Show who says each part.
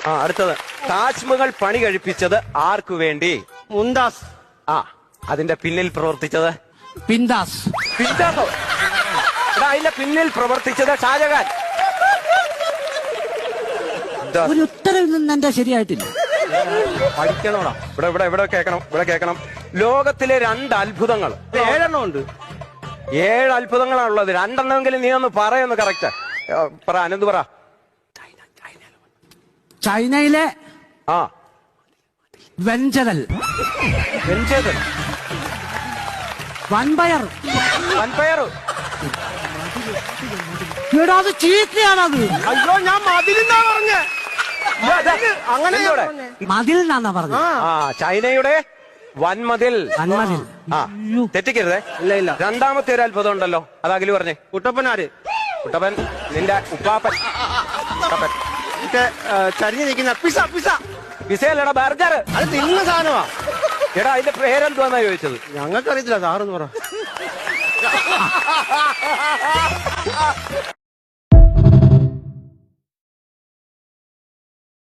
Speaker 1: ആ അടുത്തത്, താജ്മഹൽ പണി കഴിപ്പിച്ചത് ആർക്കു വേണ്ടി?
Speaker 2: മുംതാസ്.
Speaker 1: ആ അതിന്റെ പിന്നിൽ പ്രവർത്തിച്ചത്?
Speaker 3: പിന്താസ്.
Speaker 1: പിന്താസോ? എടാ അതിന്റെ പിന്നിൽ പ്രവർത്തിച്ചത് ഷാജഹാൻ.
Speaker 3: ഒരു ഉത്തരവിൽ നിന്ന് എന്റെ ശരിയായിട്ടില്ല.
Speaker 1: പഠിക്കണോടാ. ഇവിടെ ഇവിടെ ഇവിടെ കേൾക്കണം, ഇവിടെ കേൾക്കണം. ലോകത്തിലെ 2 അത്ഭുതങ്ങൾ.
Speaker 2: 7 ഉണ്ട്.
Speaker 1: 7 അത്ഭുതങ്ങളാണുള്ളത്. 2 നീ ഒന്ന് പറയൊന്ന് കറക്റ്റ് പറ. അനന്ത് പറ.
Speaker 3: ചൈനയിലെ
Speaker 1: ആ
Speaker 3: വെഞ്ചരൽ,
Speaker 1: വെഞ്ചേതൻ,
Speaker 3: വൻപയർ.
Speaker 1: വൻപയർ.
Speaker 3: എടാ അത് ചീത്തയാണത്.
Speaker 2: അയ്യോ ഞാൻ മതിലെന്നാ പറഞ്ഞ. അങ്ങനെ
Speaker 3: മതിൽ എന്നാ പറഞ്ഞത്.
Speaker 1: ആ ചൈനയുടെ വൻമതിൽ.
Speaker 3: വൻമതിൽ.
Speaker 1: ആ തെറ്റിക്കരുതേ.
Speaker 2: ഇല്ല ഇല്ല.
Speaker 1: രണ്ടാമത്തെ ഒരു അത്ഭുതം ഉണ്ടല്ലോ, അത് അഖില് പറഞ്ഞേ.
Speaker 2: കുട്ടപ്പനാര്?
Speaker 1: കുട്ടപ്പൻ നിന്റെ ഉപ്പാപ്പൻ. കുട്ടപ്പൻ
Speaker 2: ചരിഞ്ഞു നിൽക്കുന്ന പിസ. Pizza
Speaker 1: പിസയല്ലടാ, burger.
Speaker 2: അത് തിന്നുന്ന സാധനമാ.
Speaker 1: എടാ അതിന്റെ പേരെന്തുവാന്നാ ചോദിച്ചത്?
Speaker 2: ഞങ്ങൾക്കറിയത്തില്ല, സാറെന്ന് പറ.